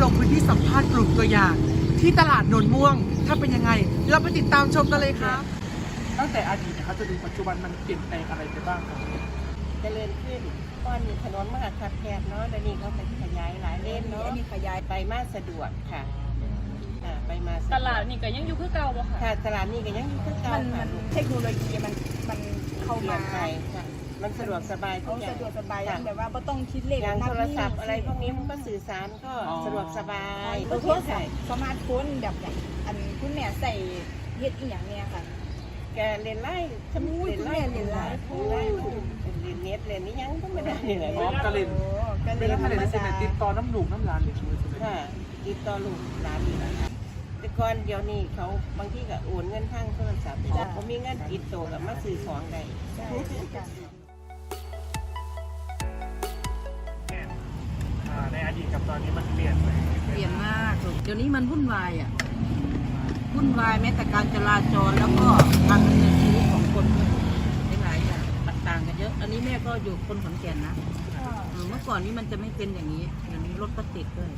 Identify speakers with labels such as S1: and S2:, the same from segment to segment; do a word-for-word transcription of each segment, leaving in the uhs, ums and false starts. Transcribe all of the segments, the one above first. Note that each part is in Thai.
S1: งพื้นที่สัมภาษณ์กลุ่มตัวอย่างที่ตลาดโนนม่วงถ้าเป็นยังไงเราไปติดตามชมกันเลยครับตั้งแต่อดีตนะครับจนถึงปัจจุบันมันเปลี่ยนแปลงอะไรไปบ้างครับ
S2: เจริญขึ้นก้อนมีถนนมหาคับแคบเนาะแล้วนี่เขาไปขยายหลายเลนเนาะนี่ขยายไปมาสะดวกค่ะไปมา
S3: ตลาดนี่ก็ยังอยู่คือเก่าบ่ค่ะ
S2: ค่ะตลาดนี่ก็ยังอยู่คือเก่าค่ะ
S4: เทคโนโลยีมันมันเข้ามา
S2: ไปค่ะมันสะดวกสบายทุกอย่าง
S4: สะดวกสบายแบบว่าไม่ต้องคิดเลข
S2: อย่างโทรศัพท์อะไรพวกนี้มันก็สื่อสารก็สะดวกสบาย
S4: โทรศัพท์สมาร์ทโฟนแบบอย่างอันคุณแม่ใส่เฮ็ดอีหยังเนี่ยค่ะ
S2: แกเรียนไล่ทำเรียนไล่เรียนไล่เรียนเรียนเน็ตเรียนนี่ยังก็ไม่ได้เลย
S1: อ๋อกระเล่นกระเล่นกระเล่นเสร็จติดต่อน้ำหนุ่มน้ำร้านเลย
S2: ค่ะติดต่อลูกร้านนี่แหละค่ะแต่ก่อนเดี๋ยวนี้เขาบางทีก็โอนเงินทางโทรศัพท์เขามีเงินติดตัวกับมาซื้อของได้
S1: ในอดีตกับตอนนี้มันเปลี่ยนไป
S5: เปลี่ยนมากเดี๋ยวนี้มันวุ่นวายอ่ะวุ่นวายแม้แต่การจราจรแล้วก็การดำเนินชีวิตของคนหลายอย่างต่างกันเยอะอันนี้แม่ก็อยู่คนขอนแก่นนะเมื่อก่อนนี้มันจะไม่เป็นอย่างนี้เดี๋ยวนี้รถก็ติดด้วย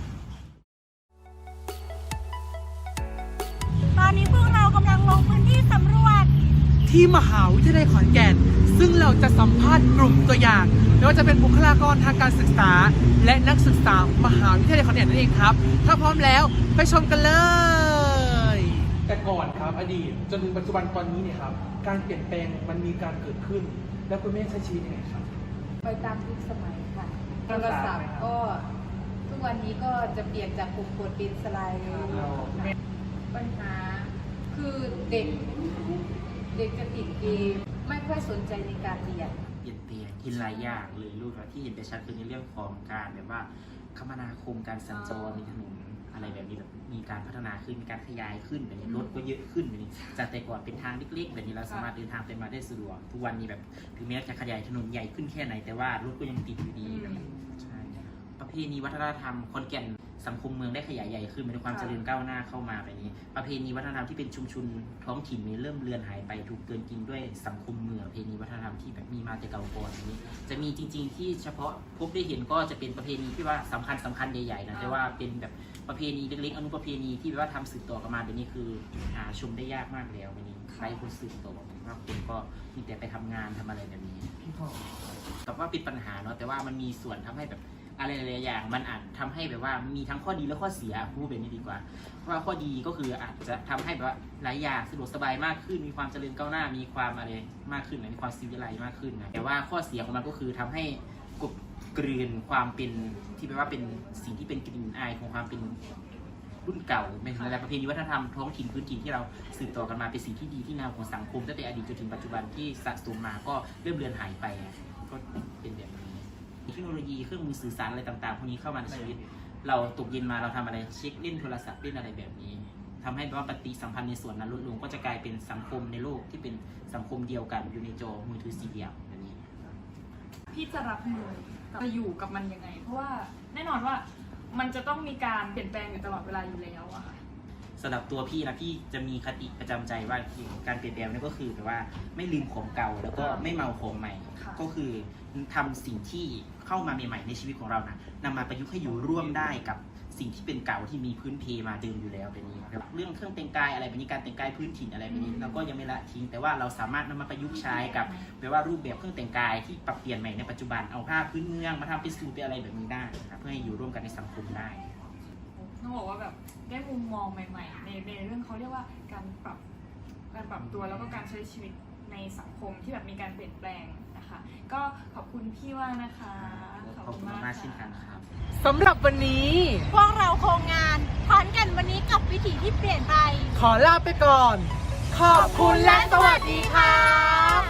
S4: ตอนนี้พวกเรากำลังลงพื้นที่สำรวจ
S1: ที่มหาวิทยาลัยขอนแก่นซึ่งเราจะสัมภาษณ์กลุ่มตัวอย่างไม่ว่าจะเป็นบุคลากรทางการศึกษาและนักศึกษามหาวิทยาลัยขอนแก่นนั่นเองครับถ้าพร้อมแล้วไปชมกันเลยแต่ก่อนครับอดีตจนถึงปัจจุบันตอนนี้เนี่ยครับการเปลี่ยนแปลงมันมีการเกิดขึ้นแล้วคุณแม่ใช้ชีวิตยังไงครับ
S6: ไปตามยุคสมัยค่ะโทรศัพท์ก็ทุกวันนี้ก็จะเปลี่ยนจากปุ่มกดเป็นสไลด์ปัญหาคือเด็กเด็กจะติดเกมไม่ค่อยสนใจในการเรียน
S7: เปลี่ยนแปลงที่หลายอย่างเลยรูปที่เห็นได้ชัดคือในเรื่องของการแบบว่าคมนาคมการสัญจรในถนนอะไรแบบนี้แบบมีการพัฒนาขึ้นมีการขยายขึ้นแบบนี้รถก็เยอะขึ้นแบบนี้จากแต่ก่อนเป็นทางเล็กๆแบบนี้เราสามารถเดินทางไปมาได้สะดวกทุกวันนี้แบบถึงแม้จะขยายถนนใหญ่ขึ้นแค่ไหนแต่ว่ารถก็ยังติดอยู่ดีแบบใช่ประเพณีวัฒนธรรมขอนแก่นสังคมเมืองได้ขยายใหญ่ขึ้นมีความเจริญก้าวหน้าเข้ามาแบบนี้ประเพณีวัฒนธรรมที่เป็นชุมชนท้องถิ่นนี้เริ่มเลือนหายไปถูกเกินกินด้วยสังคมเมืองประเพณีวัฒนธรรมที่แบบมีมาแต่เก่าก่อนนี้จะมีจริงๆที่เฉพาะพบได้เห็นก็จะเป็นประเพณีที่ว่าสำคัญสำคัญใหญ่ๆนะแต่ว่าเป็นแบบประเพณีเล็กๆอนุประเพณีที่ว่าทำสืบต่อกันมาแบบนี้คือหาชมได้ยากมากแล้วแบบนี้ใครคนสืบต่อว่าคนก็มีแต่ไปทำงานทำอะไรแบบนี้กับว่าเป็นปัญหาเนาะแต่ว่ามันมีส่วนทำให้แบบอะไรหลายอย่างมันอาจทำให้แบบว่ามีทั้งข้อดีและข้อเสียพูดแบบนี้ดีกว่าเพราะว่าข้อดีก็คืออาจจะทำให้แบบว่าหลายอย่างสะดวกสบายมากขึ้นมีความเจริญก้าวหน้ามีความอะไรมากขึ้นมีความซีวิไลซ์มากขึ้นนะแต่ว่าข้อเสียของมันก็คือทำให้กบกลืนความเป็นที่แปลว่าเป็นสิ่งที่เป็นกลิ่นอายของความเป็นรุ่นเก่าเป็นอะไรประเพณีวัฒนธรรมท้องถิ่นพื้นถิ่นที่เราสืบต่อกันมาเป็นสิ่งที่ดีที่งามของสังคมตั้งแต่อดีตจนถึงปัจจุบันที่สะสมมาก็เริ่มเลือนหายไปก็เป็นแบบนี้เทคโนโลยีเครื่องมือสื่อสารอะไรต่างๆพวกนี้เข้ามาในชีวิตเราตกเย็นมาเราทำอะไรเช็คเล่นโทรศัพท์เล่นอะไรแบบนี้ทำให้ว่าปฏิสัมพันธ์ในส่วนนั้นลดลงก็จะกลายเป็นสังคมในโลกที่เป็นสังคมเดียวกันอยู่ในจอมือถือสีเดียวแบบนี้
S3: พี่จะรับมือจะอยู่กับมันยังไงเพราะว่าแน่นอนว่ามันจะต้องมีการเปลี่ยนแปลงอยู่ตลอดเวลาอยู่แล้วอะค่ะ
S7: สำหรับตัวพี่นะพี่จะมีคติประจำใจว่าการเปลี่ยนแปลงนี่ก็คือแบบว่าไม่ลืมของเก่าแล้วก็ไม่เมาของใหม่ก็คือทำสิ่งที่เข้ามาใหม่ๆในชีวิตของเรานะนำมาประยุกต์ให้อยู่ร่วมได้กับสิ่งที่เป็นเก่าที่มีพื้นเพมาเดิมอยู่แล้วแบบนี้เรื่องเครื่องแต่งกายอะไรแบบนี้การแต่งกายพื้นถิ่นอะไรแบบนี้เราก็ยังไม่ละทิ้งแต่ว่าเราสามารถนำมาประยุกต์ใช้กับแบบว่ารูปแบบเครื่องแต่งกายที่ปรับเปลี่ยนใหม่ในปัจจุบันเอาผ้าพื้นเมืองมาทำเป็นสูทเป็นอะไรแบบนี้ได้ครับเพื่อให้อยู่ร่วมกันในสังคมได้
S3: ต้องบอกว่าแบบได้มุมมองใหม่ๆในในเรื่องเขาเรียกว่าการปรับการปรับตัวแล้วก็การใช้ชีวิตในสังคมที่แบบมีการเปลี่ยนแปลงนะคะก็ขอบคุณพี่ว่านะคะ
S7: ขอบคุณมากเช่นกันครับ
S1: สำหรับวันนี้
S4: พวกเราโครงงานขอนแก่นวันนี้กับวิถีที่เปลี่ยนไป
S1: ขอลาไปก่อนขอบคุณและสวัสดีครับ